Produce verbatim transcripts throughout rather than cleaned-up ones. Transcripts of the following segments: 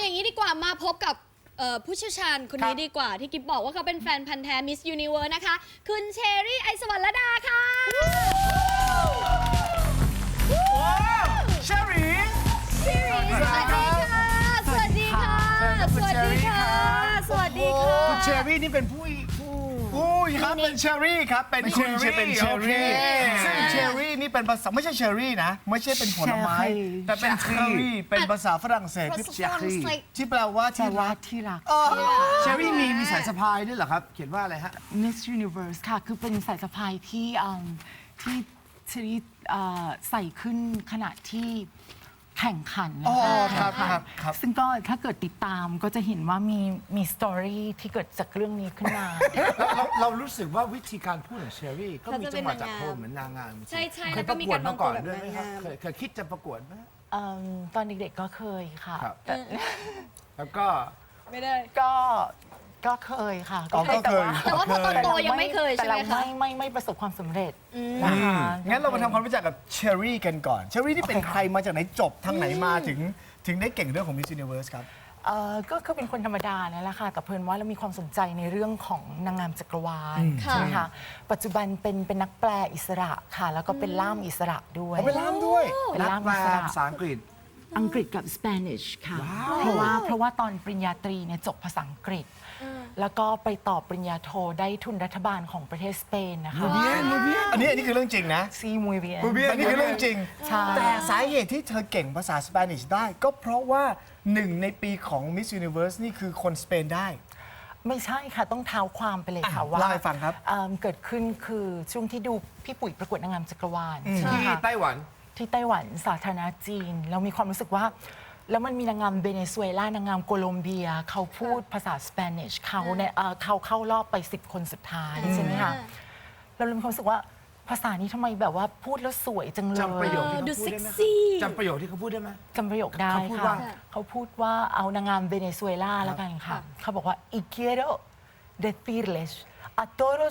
อย่างนี้ดีกว่ามาพบกับผู้เชี่ยวชาญคนนี้ดีกว่าที่กิ๊บบอกว่าเขาเป็นแฟนพันธ์แท้ Miss Universe นะคะคุณเชอรี่ไอซ์สวรรณดาค่ะเชอรี่สวัสดีค่ะสวัสดีค่ะสวัสดีค่ะสวัสดีค่ะคุณเชอรี่นี่เป็นผู้ผู้ผู้ครับเป็นเชอรี่ครับเป็นคุณเชอเป็นเชอรี่ซึ่งเชอรี่นี่เป็นภาษาไม่ใช่เชอรี่นะไม่ใช่เป็นผลไม้แต่เป็นเชอรี่เป็นภาษาฝรั่งเศสที่เชอรี่ที่แปลว่าที่รักที่รักเชอรี่มีมีสายสะพายด้วยเหรอครับเขียนว่าอะไรฮะ Miss Universe ค่ะคือเป็นสายสะพายที่ที่เชอรี่ใส่ขึ้นขณะที่แข่งขันนะคะครับซึ่งก็ถ้าเกิดติดตามก็จะเห็นว่ามีมีสตอรี่ที่เกิดจากเรื่องนี้ขึ้นมาเราเรารู้สึกว่าวิธีการพูดของเชอรี่ก็มีจังหวะจากโทนเหมือนนางงามใช่ใช่เคยประกวดมาก่อนด้วยไหมครับเคยคิดจะประกวดไหมตอนเด็กๆก็เคยค่ะแล้วก็ไม่ได้ก็ก็เคยค่ะก็เคยแต่ว่าพอโตๆยังไม่เคยใช่ไหมคะแต่เราไม่ไม่ไม่ประสบความสำเร็จงั้นเรามาทำความรู้จักกับเชอรี่กันก่อนเชอรี่ที่เป็นใครมาจากไหนจบทางไหนมาถึงถึงได้เก่งเรื่องของ Miss Universe ครับก็คือเป็นคนธรรมดานั่นแหละค่ะแต่เพิ่นว่าเรามีความสนใจในเรื่องของนางงามจักรวาลใช่ไหมคะปัจจุบันเป็นเป็นนักแปลอิสระค่ะแล้วก็เป็นล่ามอิสระด้วยเป็นล่ามด้วยเป็นล่ามอิสระภาษาอังกฤษอังกฤษกับสเปนิชค่ะเพราะว่าเพราะว่าตอนปริญญาตรีเนี่ยจบภาษาอังกฤษแล้วก็ไปต่อปริญญาโทได้ทุนรัฐบาลของประเทศสเปนนะคะอันนี้อันนี้คือเรื่องจริงนะซีมูเบียนอันนี้คือเรื่องจริงแต่สาเหตุที่เธอเก่งภาษาสเปนิชได้ก็เพราะว่าหนึ่งในปีของ Miss Universe นี่คือคนสเปนได้ไม่ใช่ค่ะต้องเท้าความไปเลยค่ะว่าเล่าให้ฟังครับเกิดขึ้นคือช่วงที่ดูพี่ปุ๋ยประกวดนางงามจักรวาลที่ไต้หวันที่ไต้หวันสาธารณจีนเรามีความรู้สึกว่าแล้วมันมีนางงามเวเนซุเอลานางงามโคลอมเบียเขาพูดภาษาสเปนิชเขาเนี่ยเขาเข้ารอบไปสิบคนสุดท้ายใช่ไหมคะเราเลยมีความรู้สึกว่าภาษานี้ทำไมแบบว่าพูดแล้วสวยจังเลยจำประโยคที่เขาพูดได้ไหมจำประโยคที่เขาพูดได้ไหมจำประโยคได้ค่ะเขาพูดว่าเอานางงามเวเนซุเอลาแล้วกันค่ะเขาบอกว่า y quiero decirles a todos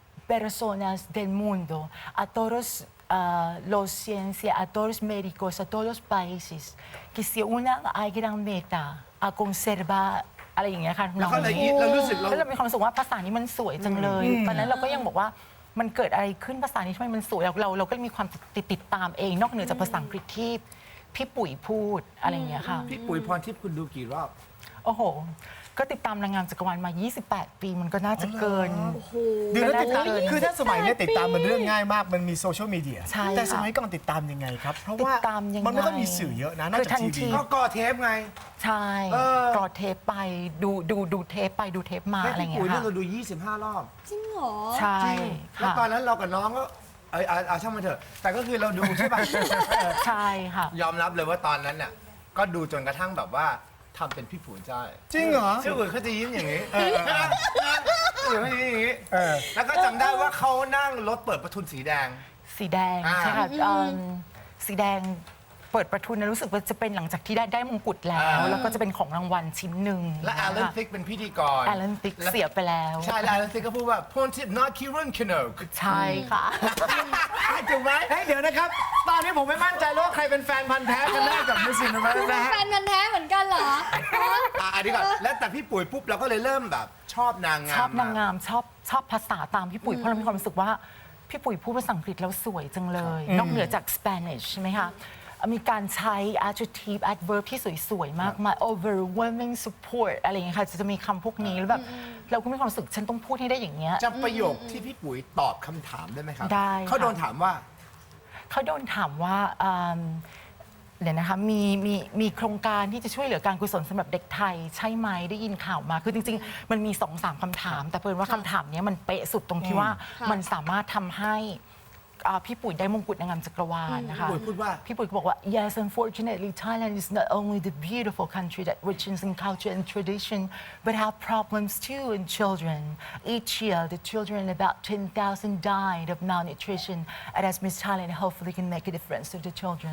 personas del mundo a todos Uh, los ciencias, a todos los médicos, a todos los países, que se unan a gran meta, a conservar อะไรอย่างเงี้ยค่ะแล้วก็เลยเรารู้สึกแล้วเรามีความรู้สึกว่าภาษานี้มันสวยจังเลยตอนนั้นเราก็ยังบอกว่ามันเกิดอะไรขึ้นภาษานี้ทำไมมันสวยเราเราเราก็มีความติดติดตามเองนอกเหนือจากภาษาอังกฤษที่พี่ปุ๋ยพูดอะไรอย่างเงี้ยค่ะพี่ปุ๋ยพรทิพย์คุณดูกี่รอบโอ้โหก็ติดตามนางงามจักรวาลมายี่สิบแปดปีมันก็น่าจะเกินเดี๋ยวติดตามคือถ้าสมัยนี้ติดตามมันเรื่องง่ายมากมันมีโซเชียลมีเดียแต่สมัยก่อนติดตามยังไงครับเพราะว่ามันไม่ค่อยมีสื่อเยอะนะน่าจะทีวีก็ก่อเทปไงใช่ก่อเทปไปดูดูดูเทปไปดูเทปมาอะไรเงี้ยค่ะพี่ปุ๋ยเราดูยี่สิบห้ารอบจริงเหรอใช่แล้วตอนนั้นเรากับน้องก็เออเอาช่างมันเถอะแต่ก็คือเราดูใช่ป่ะใช่ค่ะยอมรับเลยว่าตอนนั้นน่ะก็ดูจนกระทั่งแบบว่าทำเป็นพี่ปุ๋ยได้จริงเหรอพี่ปุ๋ยเขาจะยิ้มอย่างนี้อยู่ไม่อย่างนี้แล้วก็จำได้ว่าเขานั่งรถเปิดประทุนสีแดงสีแดงใช่ค่ะสีแดงเปิดประทุนนะรู้สึกว่าจะเป็นหลังจากที่ได้ได้มงกุฎแล้วแล้วก็จะเป็นของรางวัลชิ้นหนึ่งและแอลเลนติกเป็นพิธีกรแอลเลนติกเสียไปแล้วใช่แอลเลนติกก็พูดว่าพรทิพย์ not Kieran Kinook ใช่ค่ะถูกไหมเดี๋ยวนะครับตอนนี้ผมไม่มั่นใจว่าใครเป็นแฟนพันธ์แท้กันแน่กับ Miss Universe นะฮะแฟนพันธ์แท้เหมือนกันเหรออ่ะดีก่อนแล้วแต่พี่ปุ๋ยปุ๊บเราก็เลยเริ่มแบบชอบนางงามชอบนางงามชอบชอบภาษาตามพี่ปุ๋ยเพราะเรามีความรู้สึกว่าพี่ปุ๋ยพูดภาษาอังกฤษแล้วสวยจังเลยนอกเหนือจาก Spanish ใช่ไหมคะมีการใช้ adjective adverb ที่สวยๆมากมาย overwhelming support อะไรอย่างเงี้ยค่ะจะมีคำพวกนี้แล้วแบบเราก็มีความรู้สึกฉันต้องพูดให้ได้อย่างเงี้ยจำประโยคที่พี่ปุ๋ยตอบคำถามได้ไหมครับได้เขาโดนถามว่าเขาโดนถามว่าเดี๋ยวนะคะมีมีมีโครงการที่จะช่วยเหลือการกุศลสำหรับเด็กไทยใช่ไหมได้ยินข่าวมาคือจริงๆมันมีสองสามคำถามแต่เพิ่นว่าคำถามนี้มันเป๊ะสุดตรงที่ว่ามันสามารถทำให้พี่ปุ๋ยได้มงกุฎนางงามจักรวาลนะคะพี่ปุ๋ยพูดว่าพี่ปุ๋ยบอกว่า yes unfortunately Thailand is not only the beautiful country that riches in culture and tradition but have problems too in children each year the children about ten thousand died of malnutrition and as Miss Thailand hopefully can make a difference to the children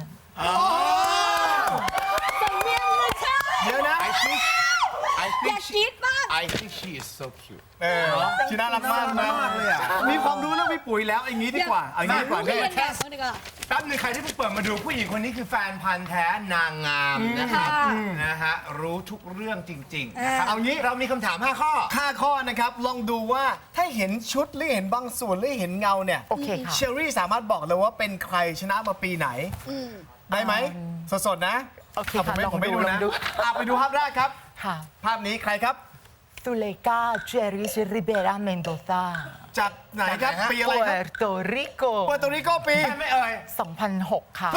สำเนียงเลยใช่เดี๋ยวนะ I think I think she I think she is so cute เออชีน่ารักมากนะมากเลยอะมีความรู้เรื่องพี่ปุ๋ยแล้วอย่างนี้ดีกว่าเอาอย่างนี้ดีกว่ารู้เนี่ยเรียนแบบเขาดีกว่าแป๊บนึงใครที่เพิ่งเปิดมาดูผู้หญิงคนนี้คือแฟนพันธ์แท้นางงามนะครับค่ะนะฮะรู้ทุกเรื่องจริงๆนะครับเอางี้เรามีคำถามห้าข้อห้าข้อนะครับ ลองดูว่าถ้าเห็นชุดหรือเห็นบางส่วนหรือเห็นเงาเนี่ยโอเคค่ะเชอรี่สามารถบอกเลยว่าเป็นใครชนะมาปีไหนอืมได้ไหม สดๆนะโอเคอ่ะผมค่ะไม่ลองผมไม่ดูดูลอนะงดูอ่ะไปดูภาพแรกครับค่ะภาพนี้ใครครับซูเลกาเจริสริเบราเมนโดซาจากไหนครับจากไหนฮะปีอะไรปัวครับร์โตริโกปัวโตริโกปีใช่ไหมเอ่ยสองพันหกค่ะ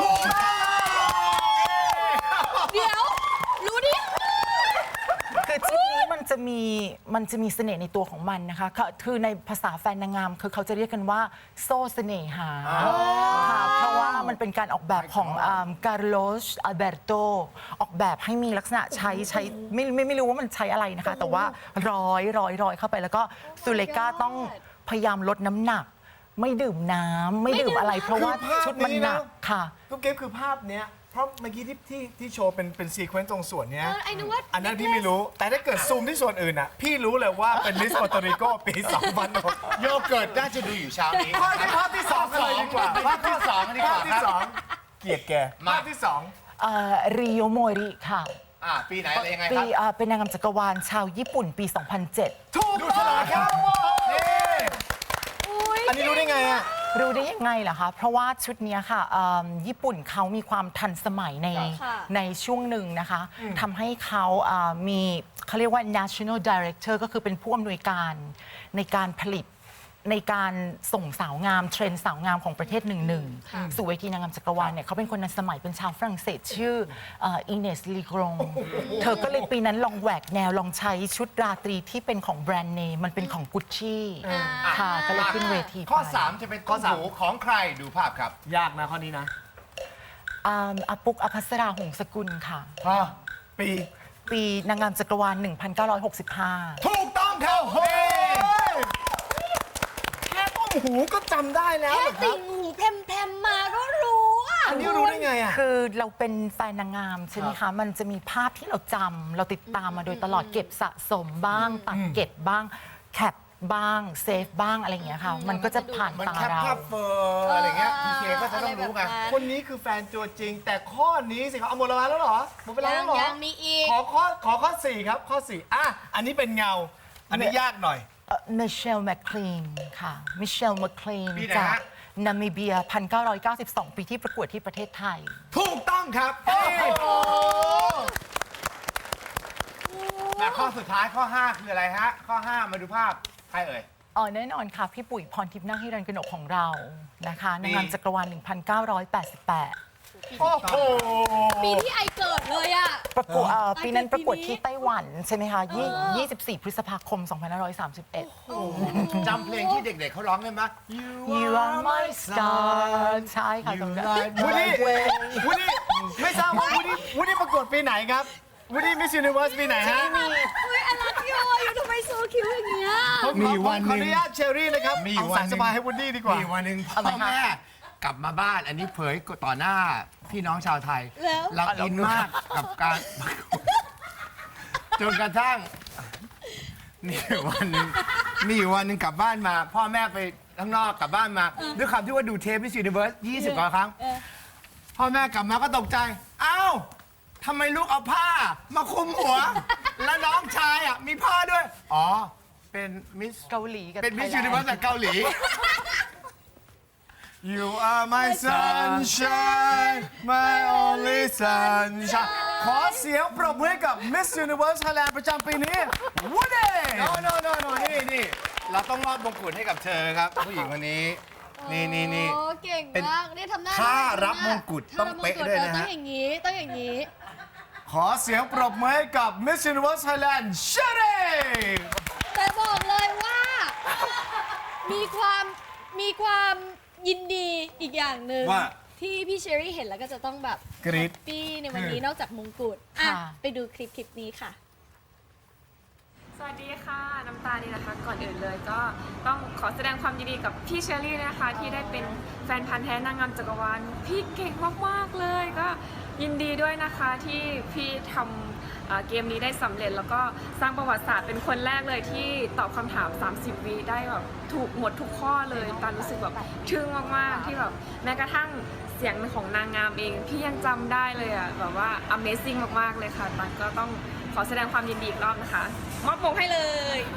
เดี๋ยว รู้ดิคือชุดนี้มันจะมีมันจะมีเสน่ห์ในตัวของมันนะคะก็คือในภาษาแฟนนางงามคือเขาจะเรียกกันว่าโซ่เสน่หาค่ะเพราะว่ามันเป็นการออกแบบของการโลสอัลเบโตออกแบบให้มีลักษณะใช้ใช้ไม่ไม่ไม่รู้ว่ามันใช้อะไรนะคะ แต่ว่าร้อยร้อยร้อยเข้าไปแล้วก็ซูเลกาต้องพยายามลดน้ำหนัก ไม่ดื่มน้ำไม่ดื่มอะไร เพราะว่าคือภาพชุดมันนี้หนะนักค่ะทุกเกมคือภาพเนี้ยเพราะเมื่อกี้ที่ที่ที่โชว์เป็นเป็นซีเควนซ์ตรงส่วนเนี้ยเออไอ้นึกว่าอันนั้นพี่ไม่รู้ แต่ถ้าเกิดซูมที่ส่วนอื่นอ่ะ พี่รู้เลยว่าเป็นลิสปัวโตริโกปีสองพันหกโยเกิร์ตน่าจะดูอยู่เช้านี้ภาพที่ภาพที่สองกันเลยดีกว่าภาพที่สองดีกว่าภาพที่สองเกลียดแกมาภาพที่สองริโอโมริค่ะอ่าปีไหนอะไรยังไงคปีรับอ่าเป็นนางงามจักรวาลชาวญี่ปุ่นปี สองพันเจ็ดถูกต้องครับนี่อันนี้รู้ได้ไงอ่ะรู้ได้ยังไงล่ะคะ เพราะว่าชุดเนี้ยค่ะเอิ่มญี่ปุ่นเขามีความทันสมัยในค่ะในช่วงหนึ่งนะคะทำให้เขาอ่ามีเขาเรียกว่า national director ก็คือเป็นผู้อำนวยการในการผลิตในการส่งสาวงามเทรนด์สาวงามของประเทศหนึ่งหนึ่งสู่เวทีนางงามจักรวาลเนี่ยเขาเป็นคนทันสมัยเป็นชาวฝรั่งเศสชื่ออินเนสลีกรงเธอก็เลยปีนั้นลองแหวกแนวลองใช้ชุดราตรีที่เป็นของแบรนด์เนมมันเป็นของกุชชี่ค่ะก็เลยขึ้นเวทีข้อไปสามจะเป็นข้อสามของใครดูภาพครับยากนะข้อนี้นะอ่าอาปุกอภัสราหงสกุลค่ะปีปีนางงามจักรวาล หนึ่งพันเก้าร้อยหกสิบห้าถูกต้องครับเฮ้ยแค่ต้มหูก็จำได้แล้วแค่เหรอคติรับ่งหูเพมเพมๆมาก็รู้อ่ะอันนี้รู้ได้ไงอ่ะคือเราเป็นแฟนนางงามใช่ไหมคะ มันจะมีภาพที่เราจำเราติดตามมาโดยตลอดเก็บสะสมบ้าง ตัดเก็บบ้าง แคปบ้าง เซฟบ้างอะไรอย่างเงี้ยค่ะ มันก็จะผ่านมันตาแคปเราภาพเฟอร์อะไรเงี้ยพีเคก็จะต้องรู้ไงคนนี้คือแฟนตัวจริง แต่ข้อนี้สิครับเอาหมดเวลาแล้วเหรอหมดเวลายัแล้งวเหรอยังมีอีกขอข้อขอข้อสี่ครับ ข้อสี่อ่ะอันนี้เป็นเงา อันนี้ยากหน่อยมิเชลแมคคลีนค่ะ มิเชลแมคคลีนปีไหนจากฮะนามิเบีย หนึ่งพันเก้าร้อยเก้าสิบสอง ปีที่ประกวดที่ประเทศไทยถูกต้องครับมาข้อสุดท้ายข้อ ห้า คืออะไรฮะ ข้อ ห้า มาดูภาพ ใครเอ่ยอ๋อแน่นอนค่ะ พี่ปุ๋ยพรทิพย์นาคฮิรันกนกของเรานะคะนางงามจักรวาล หนึ่งพันเก้าร้อยแปดสิบแปดโอ้โหปีที่ไอเกิดเลยอ่ะประกวดเอ่อไอ้ปีนั้นเกิดปีประกวดนี้ที่ไต้หวันใช่ไหมคะยี่ยี่สิบสี่ พฤษภาคม สองพันห้าร้อยสามสิบเอ็ดจำเพลงที่เด็กๆเขาร้องได้ไหม You are my star ใช่ค่ะตรงนั้นวูดดี้วูดดี้ไม่ทราบว่าวูดดี้วูดดี้ประกวดปีไหนครับวูดดี้มิสยูนิเวิร์สปีไหนฮะอุ้ยอลักโยอยู่ทำไมโซคิวอย่างเงี้ยผมขอมีวันหนึ่งขออนุญาตเชอรี่นะครับมีเอาวันสายหนึ่สงบายให้วูดดี้ดีกว่ามีวันหนึ่งพ่อแม่กลับมาบ้าน อันนี้เผยต่อหน้าพี่น้องชาวไทยแล้วเราอินมากกับการ จนกระทั่งมีอยู่วันหนึ่งมีอยู่วันหนึ่งกลับบ้านมา พ่อแม่ไปข้างนอกกลับบ้านมา ด้วยคำที่ว่าดูเทปมิสยูนิเวิร์สยี่สิบกว่าครั้งเออพ่อแม่กลับมาก็ตกใจ อ้าวทำไมลูกเอาผ้า มาคลุมหัว แล้วน้องชายอ่ะมีผ้าด้วย อ๋อ เป็นมิสเกาหลีกับเป็นมิสไทยูยแลนินเวิร์สด์จากเกาหลี You are my sunshine my only sunshine ขอเสียงปรบมือให้กับ Miss Universe Thailand ประจำปีนี้วูดดี้โนโนโนโนนี่นี่เราต้องมอบมงกุฎให้กับเธอครับ ผู้หญิงคนนี้ นี่นี่นี่โอ้เก่งเป็นมากนี่ทำหน้าท่าได้รับมงกุฎต้องเป๊ะด้วยนะฮะต้องอย่างนี้ ต้องอย่างนี้ขอเสียงปรบมือให้กับ Miss Universe Thailand เชอรี่แต่บอกเลยว่า มีความมีความยินดีอีกอย่างหนึ่งว่าที่พี่เชอรี่เห็นแล้วก็จะต้องแบบกรี๊ดแฮปปี้ในวันนี้นอกจากมงกุฎอ่ะค่ะไปดูคลิปคลิปนี้ค่ะสวัสดีค่ะ น้ำตาลนี่นะคะ ก่อนอื่นเลยก็ต้องขอแสดงความยินดีกับพี่เชอรี่นะคะ ที่ได้เป็นแฟนพันธ์แท้นางงามจักรวาลพี่เก่งมากๆเลย ก็ยินดีด้วยนะคะที่พี่ทำเอ่อเกมนี้ได้สำเร็จ แล้วก็สร้างประวัติศาสตร์เป็นคนแรกเลยที่ตอบคำถาม สามสิบ วิได้แบบถูกหมดทุกข้อเลยตอนรู้สึกแบบทึ่งมากๆที่แบบแม้กระทั่งเสียงของนางงามเอง พี่ยังจำได้เลยอ่ะแบบว่า Amazing มากๆเลยค่ะตันก็ต้องขอแสดงความยินดีอีกรอบนะคะมอบมงให้เลย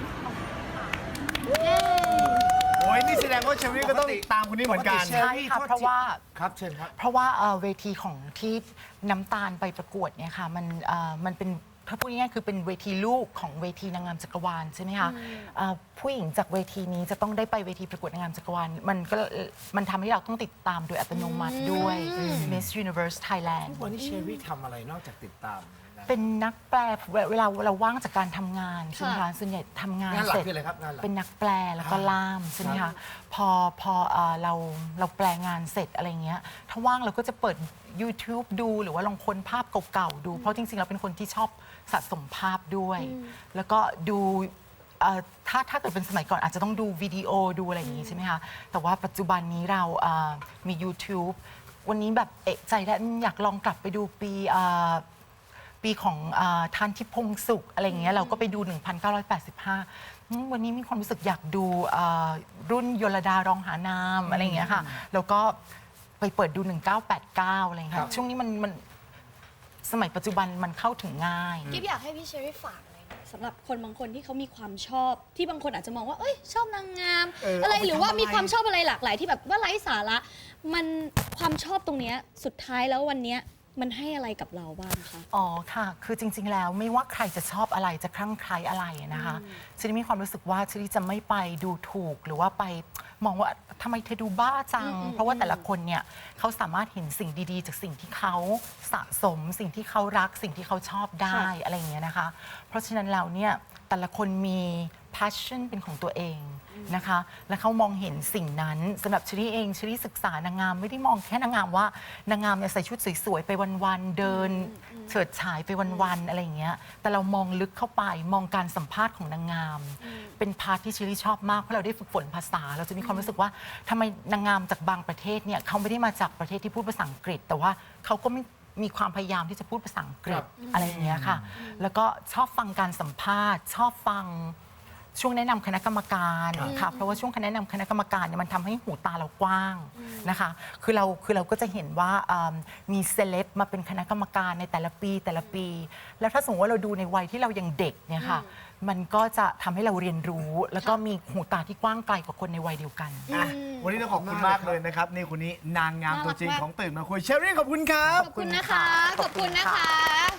โอ้ยนี่แสดงว่าเชอรี่ก็ต้องตามคนนี้เหมือนกันปกติใช่ค่ะเพราะว่าครับเชิญครับเพราะว่าเอ่อเวทีของที่น้ำตาลไปประกวดเนี่ยค่ะมันเอ่อมันเป็นถ้าพูดง่ายๆคือเป็นเวทีลูกของเวทีนางงามจักรวาลใช่ไหมคะเอ่อผู้หญิงจากเวทีนี้จะต้องได้ไปเวทีประกวดนางงามจักรวาลมันก็มันทำให้เราต้องติดตามโดยอัตโนมัติด้วย Miss Universe Thailand วันนี้เชอรี่ทำอะไรนอกจากติดตามนะเป็นนักแปลเวลาเราว่างจากการทำงานใช่ไหมคะส่วนใหญ่ทำงานงานหลักเสร็จคืออะไรครับงานหลักเป็นนักแปลแล้วก็ล่ามใช่ไหมครัคะบพอพอเอ่อเราเราแปลงานเสร็จอะไรเงี้ยถ้าว่างเราก็จะเปิด YouTube ดูหรือว่าลองค้นภาพเก่าๆดู เพราะจริงๆเราเป็นคนที่ชอบสะสมภาพด้วย แล้วก็ดูเอ่อถ้าถ้าเกิดเป็นสมัยก่อนอาจจะต้องดูวิดีโอดูอะไรอย่างงี้ใช่ไหมคะแต่ว่าปัจจุบันนี้เราเอ่อมี YouTube วันนี้แบบเอกใจแล้วอยากลองกลับไปดูปีเอ่อ ปีของอาทานทิพงสุขอะไรอย่างเงี้ยเราก็ไปดู หนึ่งพันเก้าร้อยแปดสิบห้า อืมวันนี้มีความรู้สึกอยากดูอ่ารุ่นยลดารองหานามอะไรอย่างเงี้ยค่ะแล้วก็ไปเปิดดู หนึ่งเก้าแปดเก้า อะไรอย่างเงี้ยค่ะช่วงนี้มันมันสมัยปัจจุบันมันเข้าถึงง่ายกิ๊บอยากให้พี่เชอรี่ฝากเลยนะสำหรับคนบางคนที่เขามีความชอบ ที่บางคนอาจจะมองว่าเอ้ยชอบนางงามเอออะไรเอาไปหรือว่าทำอะไรมีความชอบอะไรหลากหลายที่แบบว่าไร้สาระมันความชอบตรงเนี้ยสุดท้ายแล้ววันเนี้ยมันให้อะไรกับเราบ้างคะอ๋อค่ะ คือจริง ๆ แล้วไม่ว่าใครจะชอบอะไรจะคลั่งไคล้อะไรนะคะฉันมีความรู้สึกว่าฉันจะไม่ไปดูถูกหรือว่าไปมองว่าทำไมเธอดูบ้าจัง เพราะว่าแต่ละคนเนี่ยเขาสามารถเห็นสิ่งดีๆ จากสิ่งที่เขาสะสม สิ่งที่เขารัก สิ่งที่เขาชอบได้อะไรอย่างเงี้ยนะคะ เพราะฉะนั้นแล้วเนี่ยแต่ละคนมี passion เป็นของตัวเองนะคะ และเขามองเห็นสิ่งนั้นสำหรับชลีเองชลีศึกษานางงามไม่ได้มองแค่นางงามว่านางงามเนี่ยใส่ชุดสวยๆไปวันๆเดินเฉิดฉายไปวันๆอะไรอย่างเงี้ยแต่เรามองลึกเข้าไปมองการสัมภาษณ์ของนางงาม เป็นพาร์ทที่ชลีชอบมากเพราะเราได้ฝึกฝนภาษา เราจะมีความรู้สึกว่าทำไมนางงามจากบางประเทศเนี่ยเขาไม่ได้มาจากประเทศที่พูดภาษาอังกฤษ แต่ว่าเขาก็ไม่มีความพยายามที่จะพูดภาษาอังกฤษอะไรอย่างเงี้ยค่ะแล้วก็ชอบฟังการสัมภาษณ์ ชอบฟังช่วงแนะนำคณะกรรมการค่ะเพราะว่าช่วงคณะแนะนำคณะกรรมการเนี่ยมันทำให้หูตาเรากว้างนะคะคือเราคือเราก็จะเห็นว่าอ่ามีเซเลบมาเป็นคณะกรรมการในแต่ละปีแต่ละปี แล้วถ้าสมมติว่าเราดูในวัยที่เรายังเด็กเนี่ยค่ะมันก็จะทำให้เราเรียนรู้ แล้วก็มีหูตาที่กว้างไกลกว่าคนในวัยเดียวกันอ่ะวันนี้ต้องขอบคุณมากเลยนะครับ นี่คนนี้นางงามตัวจริงน่ารักมากของตื่นมาคุยเชอรี่ขอบคุณครับขอบคุณนะคะ ขอบคุณนะคะ